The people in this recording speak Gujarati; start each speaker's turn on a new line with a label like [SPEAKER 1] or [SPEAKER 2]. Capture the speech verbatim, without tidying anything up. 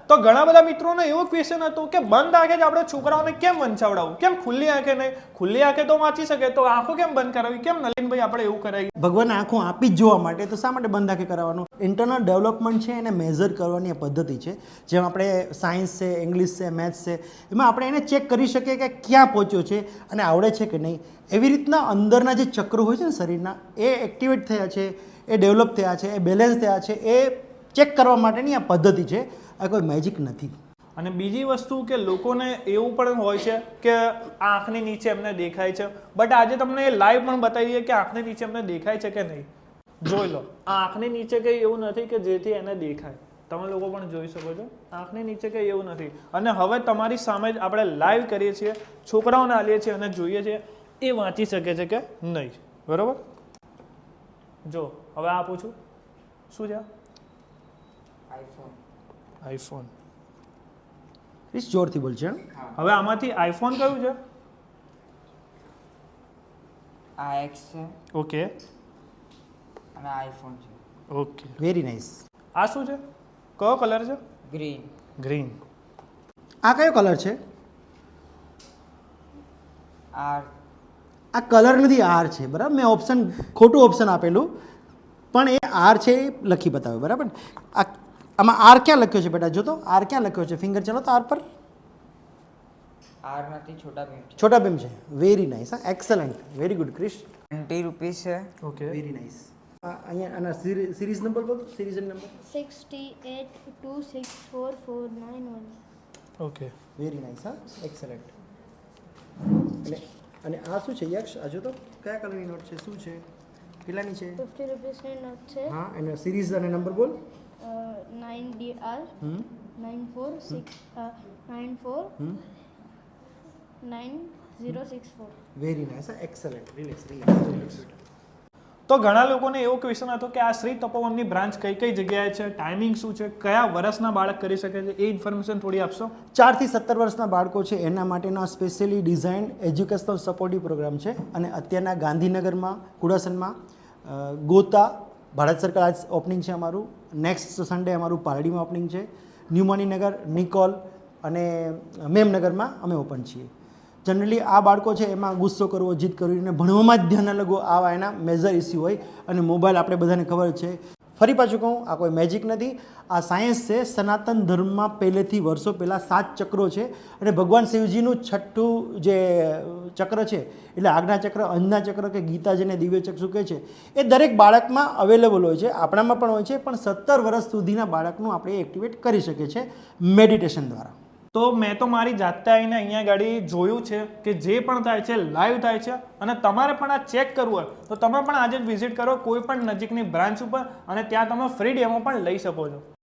[SPEAKER 1] તો ઘણા બધા મિત્રોને એવો ક્વેશ્ચન હતો કે બંધ આંખે જ આપણે છોકરાઓને કેમ વંચાવડાવું, કેમ ખુલ્લી આંખે નહીં? ખુલ્લી આંખે તો વાંચી શકે, તો આંખો કેમ બંધ કરાવી? કેમ નલિનભાઈ આપણે એવું કરાવી?
[SPEAKER 2] ભગવાન આંખો આપી જ જોવા માટે, તો શા માટે બંધ આંખે કરાવવાનું? ઇન્ટરનલ ડેવલપમેન્ટ છે એને મેઝર કરવાની આ પદ્ધતિ છે. જેમ આપણે સાયન્સ છે, ઇંગ્લિશ છે, મેથ્સ છે, એમાં આપણે એને ચેક કરી શકીએ કે ક્યાં પહોંચ્યો છે અને આવડે છે કે નહીં. એવી રીતના અંદરના જે ચક્રો હોય છે ને શરીરના, એ એક્ટિવેટ થયા છે, એ ડેવલપ થયા છે, એ બેલેન્સ થયા છે, એ ચેક કરવા માટેની આ પદ્ધતિ છે. આ કોઈ મેજિક નથી.
[SPEAKER 1] અને બીજી વસ્તુ કે લોકોને એવું પણ હોય છે કે આંખની નીચે એમને દેખાય છે, બટ આજે તમને એ લાઈવ પણ બતાવીએ કે આંખની નીચે એમને દેખાય છે કે નહીં. જોઈ લો, આ આંખની નીચે કંઈ એવું નથી કે જેથી એને દેખાય. તમે લોકો પણ જોઈ શકો છો, આંખની નીચે કંઈ એવું નથી. અને હવે તમારી સામે જ આપણે લાઈવ કરીએ છીએ, છોકરાઓને આલીએ છીએ અને જોઈએ છીએ એ વાંચી શકે છે કે નહીં. બરાબર? જો હવે આ પૂછું, શું છે?
[SPEAKER 3] આઈફોન.
[SPEAKER 1] આઈફોન.
[SPEAKER 2] પ્લીઝ જોરથી બોલજો.
[SPEAKER 1] હવે આમાંથી આઈફોન કયું છે?
[SPEAKER 3] આ એક્સ છે
[SPEAKER 1] ઓકે
[SPEAKER 3] અને આઈફોન છે.
[SPEAKER 1] Okay,
[SPEAKER 2] very nice.
[SPEAKER 1] આ શું છે? કયો કલર છે?
[SPEAKER 3] ગ્રીન.
[SPEAKER 1] ગ્રીન.
[SPEAKER 2] આ કયો કલર છે?
[SPEAKER 3] આર.
[SPEAKER 2] આ કલર નથી, આર છે. બરાબર, મેં ઓપ્શન ખોટું ઓપ્શન આપેલું, પણ એ આર છે એ લખી બતાવ્યું. બરાબર. આ આમાં આર ક્યાં લખ્યો છે બેટા? જો તો આર ક્યાં લખ્યો છે? ફિંગર ચાલો તો આર પર.
[SPEAKER 3] આર નથી, છોટા ભીમ છે.
[SPEAKER 2] છોટા ભીમ છે. Very nice. હા, excellent, very good Krish.
[SPEAKER 3] Twenty rupees છે.
[SPEAKER 1] Okay,
[SPEAKER 2] very nice. અહીંયા આના સિરીઝ નંબર બોલો. Series number
[SPEAKER 4] sixty-eight two six four four nine one.
[SPEAKER 1] Okay.
[SPEAKER 2] Very nice. હા, એક્સલન્ટ. અને અને આ શું છે યક્ષ? આ જો તો કયા કલરની નોટ છે? શું છે? કેટલાની છે?
[SPEAKER 4] fifty rupees ની note છે.
[SPEAKER 2] હા, એનો સિરીઝ અને નંબર બોલ.
[SPEAKER 4] nine D R
[SPEAKER 2] hmm
[SPEAKER 4] nine four six nine four
[SPEAKER 2] hmm
[SPEAKER 4] nine zero six four.
[SPEAKER 2] Very nice. Excellent. Relax relax.
[SPEAKER 1] તો ઘણા લોકોને એવો ક્વેશ્ચન હતો કે આ શ્રી તપોવનની બ્રાન્ચ કઈ કઈ જગ્યાએ છે, ટાઈમિંગ શું છે, કયા વર્ષના બાળક કરી શકે છે, એ ઇન્ફોર્મેશન થોડી આપશો?
[SPEAKER 2] ચારથી સત્તર વર્ષના બાળકો છે એના માટેનો specially design educational supportive programme છે. અને અત્યારના ગાંધીનગરમાં, કુડાસનમાં, ગોતા, ભારત સરકાર આજ ઓપનિંગ છે અમારું. નેક્સ્ટ સન્ડે અમારું પારડીમાં ઓપનિંગ છે. ન્યુમાનીનગર, નિકોલ અને મેમનગરમાં અમે ઓપન છીએ. જનરલી આ બાળકો છે એમાં ગુસ્સો કરવો, જીદ કરવી અને ભણવામાં જ ધ્યાન ન લગવું, આવા એના મેજર ઇસ્યુ હોય. અને મોબાઈલ આપણે બધાને ખબર છે. ફરી પાછું કહું, આ કોઈ મેજિક નથી, આ સાયન્સ છે. સનાતન ધર્મમાં પહેલેથી વર્ષો પહેલાં સાત ચક્રો છે. અને ભગવાન શિવજીનું છઠ્ઠું જે ચક્ર છે, એટલે આજ્ઞા ચક્ર, અંજના ચક્ર કે ગીતા જેને દિવ્ય ચક્ષુ કહે છે, એ દરેક બાળકમાં અવેલેબલ હોય છે. આપણામાં પણ હોય છે, પણ સત્તર વર્ષ સુધીના બાળકનું આપણે એક્ટિવેટ કરી શકીએ છીએ મેડિટેશન દ્વારા.
[SPEAKER 1] તો મેં તો મારી જાતે આવીને અહીંયા ગાડી જોયું છે કે જે પણ થાય છે લાઈવ થાય છે. અને તમારે પણ આ ચેક કરવું હોય તો તમે પણ આજે જ વિઝિટ કરો કોઈ પણ નજીકની બ્રાન્ચ ઉપર, અને ત્યાં તમે ફ્રી ડેમો પણ લઈ શકો છો.